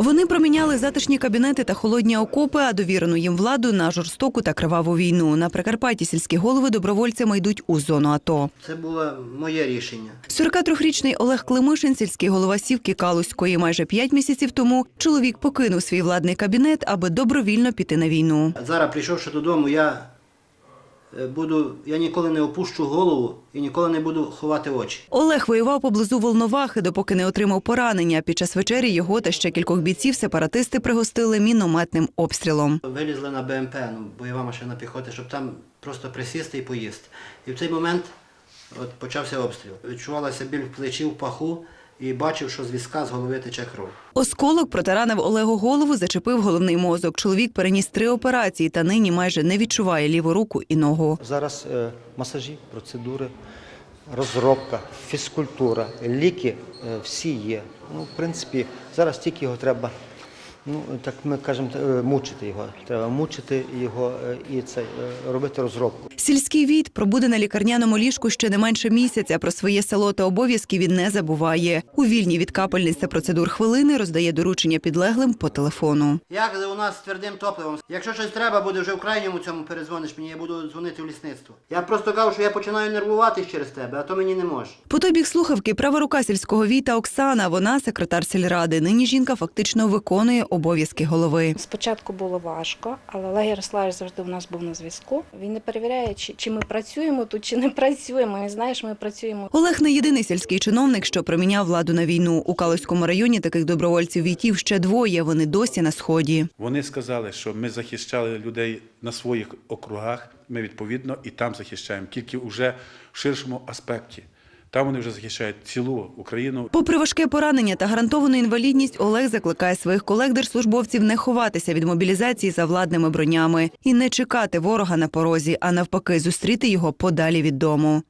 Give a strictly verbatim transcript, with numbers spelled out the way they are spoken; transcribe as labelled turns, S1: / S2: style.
S1: Вони проміняли затишні кабінети та холодні окопи, а довірену їм владу на жорстоку та криваву війну. На Прикарпатті сільські голови добровольцями йдуть у зону АТО.
S2: Це було моє рішення.
S1: сорокатрирічний Олег Климишин, сільський голова Сівки Калузької. Майже п'ять місяців тому чоловік покинув свій владний кабінет, аби добровільно піти на війну.
S2: Зараз, прийшовши додому, я буду, я ніколи не опущу голову і ніколи не буду ховати очі.
S1: Олег воював поблизу Волновахи, допоки не отримав поранення. Під час вечері його та ще кількох бійців сепаратисти пригостили мінометним обстрілом.
S2: Вилізли на Б М П, ну, бойова машина піхоти, щоб там просто присісти і поїсти. І в цей момент от, почався обстріл. Відчувалася біль в плечі, в паху і бачив, що з візка з голови тече кров.
S1: Осколок протаранив Олегу голову, зачепив головний мозок. Чоловік переніс три операції та нині майже не відчуває ліву руку і ногу.
S3: Зараз е, масажі, процедури, розробка, фізкультура, ліки е, всі є. Ну, в принципі, зараз тільки його треба, ну, так ми кажемо, мучити його. Треба мучити його і це, робити розробку.
S1: Сільський війт пробуде на лікарняному ліжку ще не менше місяця. Про своє село та обов'язки він не забуває. У вільні від капельниць та процедур хвилини роздає доручення підлеглим по телефону.
S2: Як у нас з твердим топливом. Якщо щось треба буде вже в крайньому цьому перезвониш мені, я буду дзвонити в лісництво. Я просто кажу, що я починаю нервуватись через тебе, а то мені не може.
S1: По той бік слухавки права рука сільського війта Оксана. Вона секретар сільради. Нині жінка фактично виконує обов'язки голови.
S4: Спочатку було важко, але Олег Ярославович завжди у нас був на зв'язку. Він не перевіряє, чи, чи ми працюємо тут, чи не працюємо. І знаєш, ми працюємо.
S1: Олег не єдиний сільський чиновник, що проміняв владу на війну. У Калузькому районі таких добровольців-війтів ще двоє. Вони досі на Сході.
S5: Вони сказали, що ми захищали людей на своїх округах, ми відповідно і там захищаємо, тільки вже в ширшому аспекті. Там вони вже захищають цілу Україну.
S1: Попри важке поранення та гарантовану інвалідність, Олег закликає своїх колег-держслужбовців не ховатися від мобілізації за владними бронями і не чекати ворога на порозі, а навпаки зустріти його подалі від дому.